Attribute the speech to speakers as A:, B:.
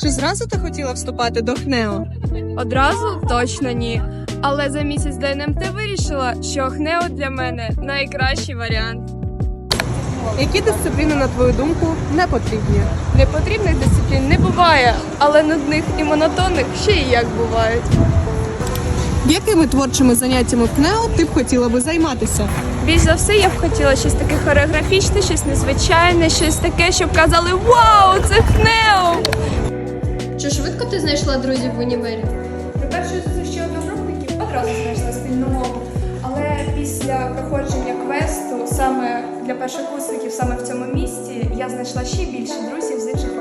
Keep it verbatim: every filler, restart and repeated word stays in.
A: Чи зразу ти хотіла вступати до ХНЕО?
B: Одразу точно ні. Але за місяць до ен ем те вирішила, що ХНЕО для мене найкращий варіант.
A: Які дисципліни, на твою думку, не потрібні?
B: Непотрібних дисциплін не буває, але нудних і монотонних ще і як бувають.
A: Якими творчими заняттями в КНЕО ти б хотіла би займатися?
B: Більш за все, я б хотіла щось таке хореографічне, щось незвичайне, щось таке, щоб казали «Вау, це ХНЕО!».
C: Чи швидко ти знайшла друзів в універі?
B: При першій зустрічі одногрупників одразу знайшла спільну мову. Але після проходження квесту, саме для першокурсників, саме в цьому місці, я знайшла ще більше друзів з інших